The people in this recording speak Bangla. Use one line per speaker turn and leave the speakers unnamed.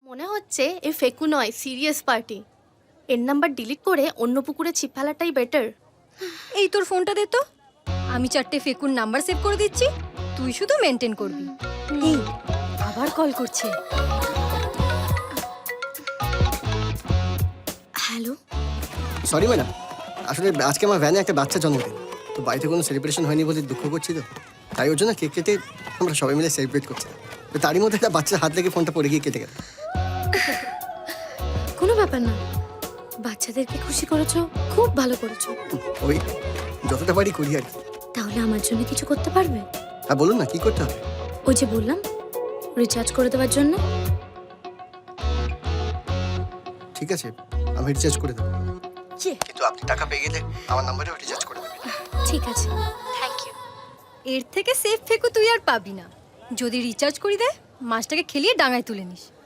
মনে হচ্ছে এ ফেকু নয়, সিরিয়াস পার্টি। এর নাম্বার ডিলিট করে অন্য পুকুরে ছিপ ফেলাটাই বেটার।
এই তোর ফোনটা দে তো, আমি 4টে ফেকুর নাম্বার সেভ করে দিচ্ছি, তুই শুধু মেনটেন করবি। এই আবার কল করছে।
হ্যালো,
সরি ম্যাডাম, আসলে আজকে আমার ভ্যানে একটা বাচ্চা জন্মদিন, তো বাড়িতে কোনো সেলিব্রেশন হয়নি বলে দুঃখ করছি। তো তাই ওর জন্য কেক কেটে আমরা সবাই মিলে সেলিব্রেট করছি। তো তারই মধ্যে একটা বাচ্চার হাত লেগে ফোনটা পড়ে গিয়ে কেটে গেল।
কোনো ব্যাপার না, বাচ্চাদেরকে খুশি করেছো, খুব ভালো করেছো।
ওই যতটা পারি করি আর কি।
তাহলে আমার জন্য কিছু করতে পারবে?
হ্যাঁ বলুন না, কি করতে হবে?
ওই যে বললাম, রিচার্জ করে দেওয়ার জন্য।
ঠিক আছে, আমি রিচার্জ করে দেবো, কিন্তু আপনি টাকা পেয়ে গেলে আমার নাম্বারেও রিচার্জ করে দেবেন।
ঠিক আছে, থ্যাংক ইউ।
এর থেকে সেফ ফেকু তুই আর পাবি না। যদি রিচার্জ করি দে, মাছটাকে খেলিয়ে ডাঙায় তুলে নিস।